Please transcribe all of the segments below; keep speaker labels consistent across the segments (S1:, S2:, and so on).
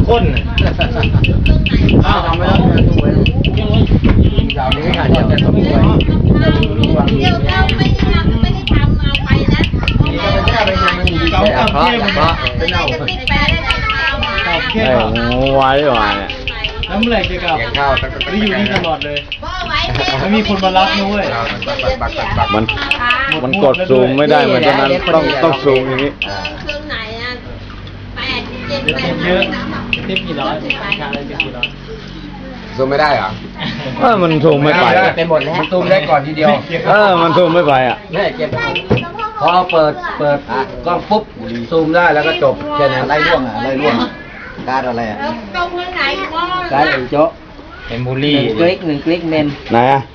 S1: ข้นอ้าวทำไม่ได้ตัวยาวนี้อาจจะสมควร
S2: เดี๋ยวเราไม่ได้ทำเอาไปนะ
S1: เกากับเทียมเป็นเอา
S2: ติดแปะได้เอา
S1: เทียม
S3: วายด้วยวายเนี่ย
S1: แล้วเมื่อไหร่จะกลับข้าวไม่อยู่นี่ตลอดเลยไม่มีคนมารับนุ้ย
S3: มันกดซูมไม่ได้เหมือนฉะนั้นต้องซูมอย่างนี้
S2: เครื่องไหนอ่ะ8 7
S1: เต็มเยอะเต็มกี่ร้อยชาเลยเต็มกี่ร้อย
S4: ซูมไม่ได้เหรอ
S3: มันซูมไม่ไป
S4: เป็นหมดแล้วมันซูมได้ก่อนทีเดียว
S3: มันซูมไม่ไปอ่ะ
S4: นี่เก็บพอเปิดกล้องปุ๊บซูมได้แล้วก็จบแค่นั้นไล่ร่วงการอะไรอ่ะ
S2: ตรงไหนก็
S4: การไอ้โจ๊ะ
S1: เป็นบูลลี่
S4: 1 คลิกเมน
S3: ไหนอ่ะ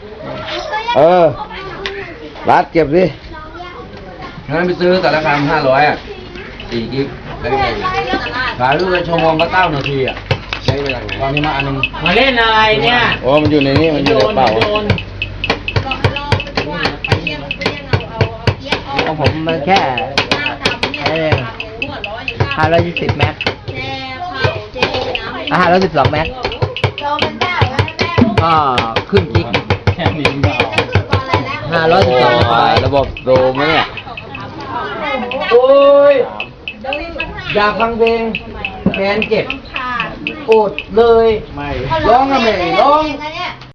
S3: รัดเก็บสิ
S4: งั้นไปซื้อแต่ละคำ500อ่ะ4 กิกได้ไงขายรูปละชั่วโมงก็9 นาทีอ่ะใช้เวลาตอนนี้มาอันนึง
S1: มาเล่นอะไรเนี่ย
S3: โอ้มันอยู่ในนี้มันอยู่ในเป๋า
S4: ของผมมันแค่520 แม็ก512 แม็กก็ครึ่งกิก
S1: แค่นี้เปล่า
S4: 512
S3: ระบบโดมไหมเนี่ย
S4: โอ้ยอยากฟังเพลงแมนเจ็บโอดเลย
S1: ไม่
S4: ร้องก็ไม่ร้อง